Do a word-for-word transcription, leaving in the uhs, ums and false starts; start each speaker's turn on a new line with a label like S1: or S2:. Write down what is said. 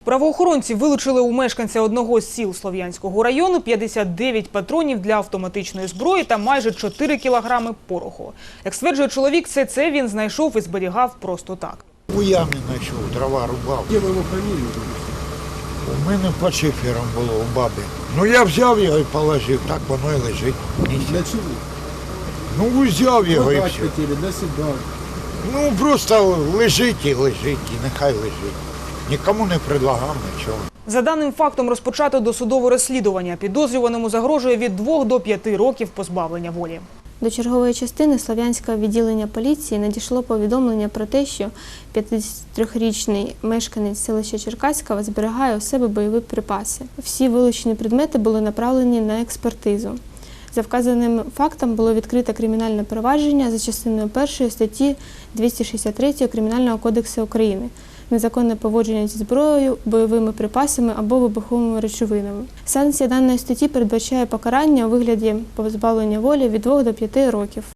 S1: Правоохоронці вилучили у мешканця одного з сіл Слов'янського району п'ятдесят дев'ять патронів для автоматичної зброї та майже чотири кілограми пороху. Як стверджує чоловік, все це він знайшов і зберігав просто так.
S2: У ямі знайшов, дрова рубав.
S3: Де ви його хранили?
S2: У мене під шифером було у баби. Ну я взяв його і положив, так воно і лежить.
S3: Для чого?
S2: Ну взяв його і
S3: Продать
S2: все.
S3: хотіли, для себе.
S2: Ну просто лежить і лежить, і нехай лежить. Нікому не предлагав нічого.
S1: За даним фактом розпочато досудове розслідування. Підозрюваному загрожує від двох до п'яти років позбавлення волі.
S4: До чергової частини Слов'янського відділення поліції надійшло повідомлення про те, що п'ятдесятитрирічний мешканець селища Черкаського зберігає у себе бойові припаси. Всі вилучені предмети були направлені на експертизу. За вказаним фактом було відкрито кримінальне провадження за частиною першої статті двісті шістдесят три Кримінального кодексу України «Незаконне поводження зі зброєю, бойовими припасами або вибуховими речовинами». Санкція даної статті передбачає покарання у вигляді позбавлення волі від двох до п'яти років.